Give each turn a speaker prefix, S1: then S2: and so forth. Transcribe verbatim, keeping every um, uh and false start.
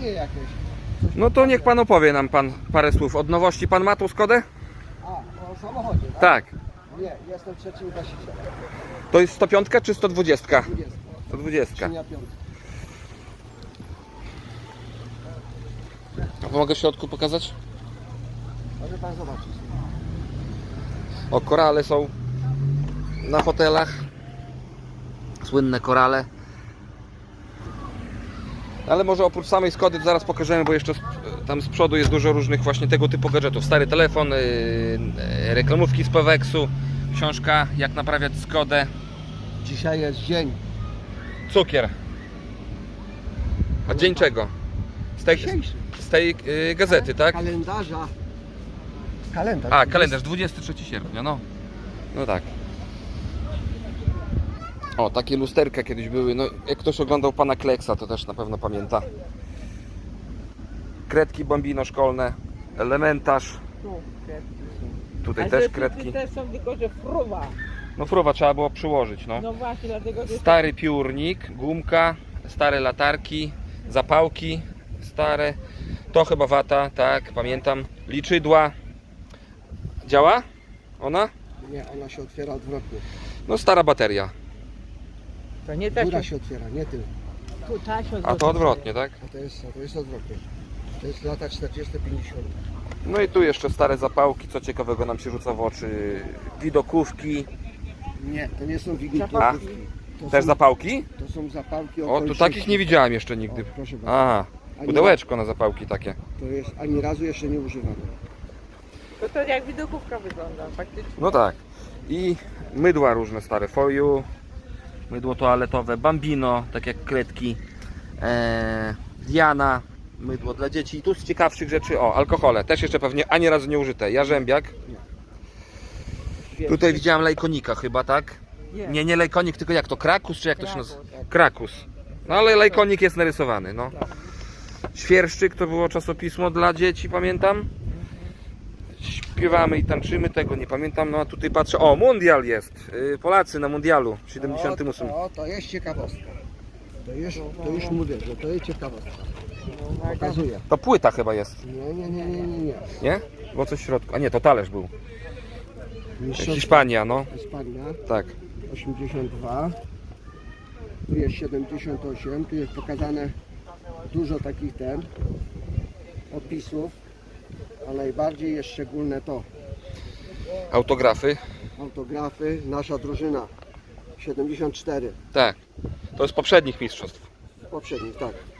S1: pytanie jakieś. Coś
S2: No to niech pan opowie nam pan parę słów. Od nowości pan ma tą Skodę?
S1: A, o samochodzie, tak?
S2: Tak.
S1: Nie, jestem trzecim właścicielem.
S2: To jest sto pięć czy sto dwadzieścia?
S1: dwudziesty.
S2: sto dwadzieścia.
S1: Skrzynia piątka.
S2: A mogę w środku pokazać?
S1: Może pan zobaczyć.
S2: O, korale są na fotelach. Słynne korale. Ale może oprócz samej Skody to zaraz pokażemy, bo jeszcze z, tam z przodu jest dużo różnych właśnie tego typu gadżetów. Stary telefon, yy, yy, reklamówki z Peweksu, książka Jak naprawiać Skodę.
S1: Dzisiaj jest dzień.
S2: Cukier. A dzień czego? Z tej,
S1: Dzisiejszy.
S2: z tej yy, gazety, tak?
S1: Kalendarza. Kalendarz.
S2: A, kalendarz, dwudziestego trzeciego sierpnia, no. No tak. O, takie lusterka kiedyś były. No, jak ktoś oglądał pana Kleksa, to też na pewno pamięta. Kredki Bambino szkolne, elementarz.
S3: Tu, kredki są.
S2: Tutaj
S3: A
S2: też
S3: że
S2: kredki.
S3: też są tylko, że fruwa.
S2: No fruwa trzeba było przyłożyć, no.
S3: No właśnie, dlatego że...
S2: Stary piórnik, gumka, stare latarki, zapałki stare. To chyba wata, tak, pamiętam. Liczydła. Działa? Ona?
S1: Nie, ona się otwiera odwrotnie.
S2: No stara bateria.
S3: To nie tak,
S1: Góra
S3: że
S1: się otwiera, nie tył.
S3: tu ta się
S2: A to odwrotnie, tak?
S1: A to jest, a to jest odwrotnie. To jest lata czterdzieste pięćdziesiąte.
S2: No i tu jeszcze stare zapałki, co ciekawego nam się rzuca w oczy. Widokówki.
S1: Nie, to nie są
S2: A?
S1: wigilkówki. To
S2: Też
S1: są,
S2: zapałki?
S1: to są zapałki
S2: O, tu
S1: okoliczności.
S2: takich nie widziałem jeszcze nigdy.
S1: O, proszę bardzo.
S2: Aha,
S1: Ani
S2: pudełeczko na zapałki takie.
S1: To jest ani razu jeszcze nie używane.
S3: To, to jak widokówka wygląda, faktycznie.
S2: No tak. I mydła różne stare. Foju, mydło toaletowe, Bambino, tak jak kredki. Eee, Diana, mydło dla dzieci. I tu z ciekawszych rzeczy, o, alkohole. Też jeszcze pewnie ani razu nie użyte. Jarzębiak. Tutaj widziałem lejkonika chyba, tak? Nie, nie lejkonik, tylko jak to? Krakus, czy jak to się nazywa? Krakus. No ale lejkonik jest narysowany, no. Świerszczyk to było czasopismo dla dzieci, pamiętam. Śpiewamy i tańczymy, tego nie pamiętam. No a tutaj patrzę, o, mundial jest. Yy, Polacy na mundialu w siedemdziesiątym ósmym.
S1: O, to jest ciekawostka. To już, to już mówię, że to jest ciekawostka. Pokazuję.
S2: To płyta chyba jest,
S1: Nie, nie, nie, nie, nie, nie.
S2: nie? Było coś w środku. A nie, to talerz był.
S1: Mistrzostwo
S2: Hiszpania, no.
S1: Hiszpania,
S2: Tak.
S1: osiemdziesiąt dwa. Tu jest siedemdziesiąt osiem. Tu jest pokazane dużo takich ten opisów. A najbardziej jest szczególne to.
S2: Autografy.
S1: Autografy. Nasza drużyna. siedemdziesiąt cztery.
S2: Tak. To z poprzednich mistrzostw.
S1: Poprzednich, tak.